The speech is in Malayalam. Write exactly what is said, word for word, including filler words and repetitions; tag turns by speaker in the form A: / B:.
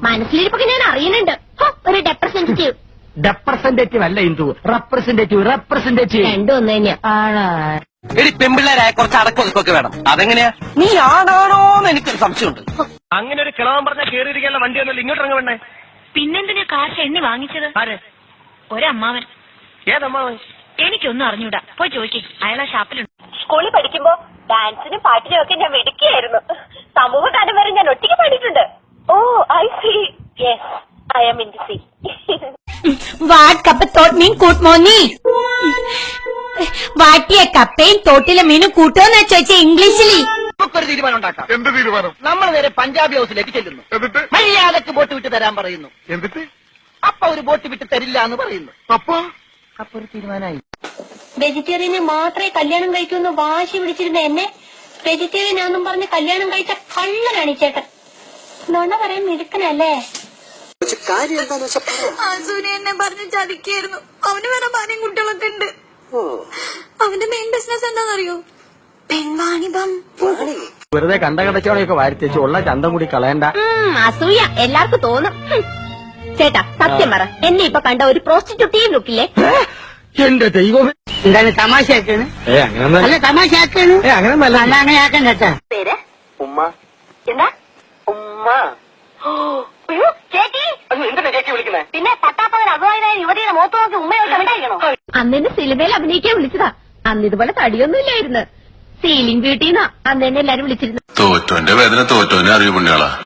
A: മനസ്സിലിരിപ്പൊക്കെ ഞാൻ അറിയുന്നുണ്ട്. ഹോ, ഒരു റെപ്രസെന്റേറ്റീവ്.
B: റെപ്രസെന്റേറ്റീവ് അല്ല ഇന്ദു, റെപ്രസെന്റേറ്റീവ് റെപ്രസെന്റേറ്റീവ്
A: രണ്ടും ഒന്ന് തന്നെയാ.
C: എടി പെമ്പിള്ളേരായ കുറച്ച് അടക്കൊതുക്കൊക്കെ വേണം. അതെങ്ങനെയാ? നീ ആണാണോന്ന് എനിക്കൊരു സംശയമുണ്ട്.
B: അങ്ങനെ ഒരു കിളവൻ പറഞ്ഞാൽ കേറിയിരിക്കാനുള്ള വണ്ടി ഒന്നുമില്ല, ഇങ്ങോട്ട് ഇറങ്ങ വേണ്ടേ?
A: പിന്നെന്തിനാ കാശ് എണ്ണി വാങ്ങിച്ചത്?
B: ആരെ?
A: ഒരമ്മാവൻ.
B: ഏതമ്മാവൻ?
A: എനിക്കൊന്നും അറിഞ്ഞൂടാ, പോയി ചോദിക്കും. അയാളെ ഷാപ്പിലുണ്ട്.
D: സ്കൂളിൽ പഠിക്കുമ്പോ ഡാൻസിനും പാട്ടിനും ഒക്കെ ഞാൻ മിടുക്കിയായിരുന്നു. സമൂഹ ഗാനം വരെ ഞാൻ ഒറ്റയ്ക്ക് പാടിയിട്ടുണ്ട്. Oh I see. Yes, I am in the sea.
E: What kappa thought meen കൂട്ട് മോന്നി. വാട്ടിയ കപ്പയും തോട്ടിലെ മീനും കൂട്ടോന്ന് ചോദിച്ച ഇംഗ്ലീഷിൽ.
C: നമുക്കൊരു തീരുമാനം ഉണ്ടാക്കാം.
F: എന്ത് തീരുമാനം?
C: നമ്മൾ നേരെ പഞ്ചാബി ഹൗസിലേക്ക് ചെല്ലുന്നു.
F: എന്നിട്ട്
C: മര്യാദക്ക് ബോട്ട് വിട്ട് തരാൻ പറയുന്നു.
F: എന്നിട്ട്
C: അപ്പൊ ഒരു ബോട്ട് വിട്ട് തരില്ല എന്ന് പറയുന്നു.
F: അപ്പൊ
C: അപ്പൊ ഒരു തീരുമാനമായി.
D: വെജിറ്റേറിയനെ മാത്രമേ കല്യാണം കഴിക്കൂന്ന് വാശി പിടിച്ചിരുന്ന എന്നെ വെജിറ്റേറിയൻ ആണെന്നും പറഞ്ഞ് കല്യാണം കഴിച്ച കള്ളനാണ് ഈ ചേട്ടൻ. നുണ പറയാൻ മിടുക്കനല്ലേ?
E: അസൂനെ എന്നെ പറഞ്ഞ് ചതിക്കായിരുന്നു. അവന് വേറെ ഭാര്യയും കുട്ടികളൊക്കെ ഉണ്ട്. അവന്റെ മെയിൻ ബിസിനസ് എന്താണെന്നറിയോ? പെൺവാണിഭം.
B: വെറുതെ കണ്ട കടച്ചോടെയൊക്കെ വാരിത്തേച്ച് ഉള്ള ചന്തം കൂടി കളയണ്ട.
A: അസൂയ എല്ലാവർക്കും തോന്നും. ഹും. ചേട്ടാ സത്യം പറ, എന്നെ ഇപ്പൊ കണ്ട ഒരു പ്രോസ്റ്റിറ്റ്യൂട്ടീവ് ലുക്കില്ലേ?
B: എന്റെ ദൈവം,
G: എന്താണ് തമാശയാക്കാണ്?
B: ഏ അങ്ങനെ
G: അല്ല തമാശയാക്കാണ്.
B: ഏ അങ്ങനെ
G: അല്ല അങ്ങനെ ആക്കാൻ ചേട്ടാ.
D: പേര്
B: ഉമ്മ.
D: എന്താ?
B: ഉമ്മ.
D: അയ്യോ, ചേച്ചി.
B: എന്തിനാ ചേച്ചി വിളിക്കുന്നേ?
D: പിന്നെ പട്ടാപ്പകൻ അഭിമാനായ യുവതിയുടെ മുഖത്ത് നോക്കി ഉമ്മയോട്ട് ഉണ്ടായിരിക്കണോ?
A: അന്നെന്നെ സിനിമയിൽ അഭിനയിക്കാൻ വിളിച്ചതാ. അന്ന് ഇതുപോലെ തടിയൊന്നും ഇല്ലായിരുന്നു. സീലിംഗ് ബ്യൂട്ടിന്നാ അന്ന് എന്നെ എല്ലാരും വിളിച്ചിരുന്നു.
H: തോറ്റോന്റെ വേദന തോറ്റോനെ അറിയൂ പുണ്യാളാ.